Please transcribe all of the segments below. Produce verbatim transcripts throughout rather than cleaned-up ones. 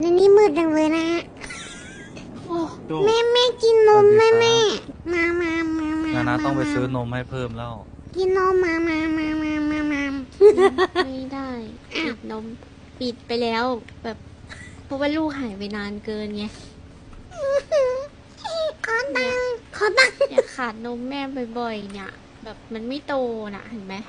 ในนี้มืดจังเลยนะฮะโอ้แม่แม่กินนมแม่แม่มามามามานานามาต้องไปซื้อนมให้เพิ่มแล้วกินนมมามามามามามาไม่ได้ปิดนมปิดไปแล้ว แบบเพราะว่าลูกหายไปนานเกินไงขอตังค์ขอตังค์อยากขาดนมแม่บ่อยๆเนี่ย แบบมันไม่โตน่ะเห็นไหม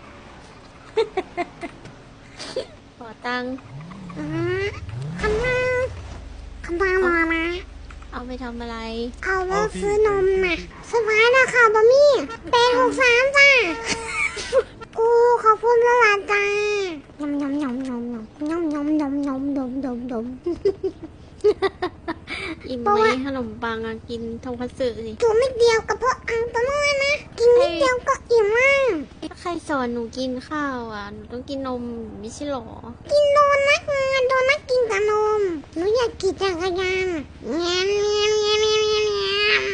ขอตังค์อ่าขนมขนมมามาเอาไปทำอะไรเอาไว้ซื้อนมน่ะสบายนะค่ะบะมี่แปดหกสามจ้าโอ้ขอบคุณละลาจ้ายำยำยำยำยำยำยำยำยำดมดมดมอิ่มเพราะไหมว่าขนมปังอะกินทงคัตสึสิตัวไม่เดียวกับพวกอังตัวน้อยนะ กินนิดเดียวก็อิ่มมากถ้าใครสอนหนูกินข้าวอ่ะหนูต้องกินนมไม่ใช่หรอกินโดนัทไงโดนัทกินกับนมหนูอยากขี่จักรยานเงี้ยเงี้ยเงี้ยเงี้ยเงี้ยเงี้ย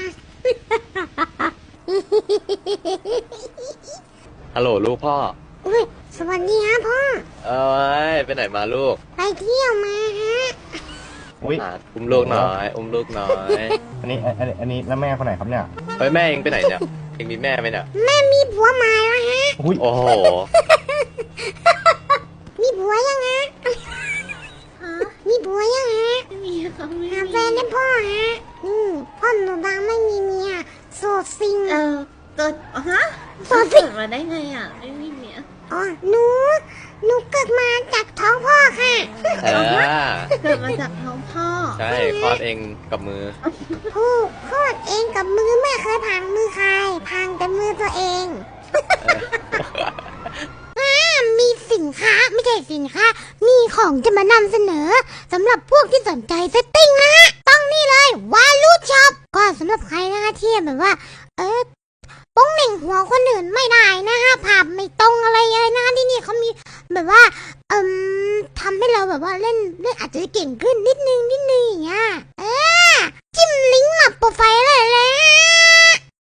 ฮัลโหลลูกพ่ออุ้ยสวัสดีฮะพ่อเอ้ยไปไหนมาลูกไปเที่ยวมาฮะอุ้ยอ่ะอุ้มลูกหน่อยอุ้มลูกหน่อยอันนี้อันนี้อันนี้แล้วแม่คนไหนครับเนี่ยเฮ้ยแม่เองไปไหนเนี่ยเองมีแม่ไหมเนี่ยแม่มีผัวใหม่แล้วฮะอุ้ยโอ้โหมีผัวยังฮะฮะมีผัวยังฮะไม่มีค่ะไม่หามีแฟนได้พ่อฮะอืมพ่อหนูดังไม่มีเมียโสดซิงเออเกิดฮะโสดซิเกิงดมาได้ไงอ่ะ ไม่มีเมียอ๋อหนูหนูเกิดมาจากท้องพ่อค่ะเออเกิดมาจากท้องพ่อใช่คลอดเองกับมือผู้คลอดเองกับมือไม่เคยพังมือใครพังแต่มือตัวเองเอออ่ามีสินค้าไม่ใช่สินค้า มีของจะมานำเสนอสำหรับพวกที่สนใจเซตติ้งนะฮะต้องนี่เลยวาลูช็อปก็สำหรับใครนะคะที่แบบว่า เออป้องเหน่งหัวคนอื่นไม่ได้นะฮะภาพไม่ตรงอะไรเลยนะที่นี่เขามีแบบว่าเอ่มทำให้เราแบบว่าเล่นเล่นอาจจะเก่งขึ้นนิดนึง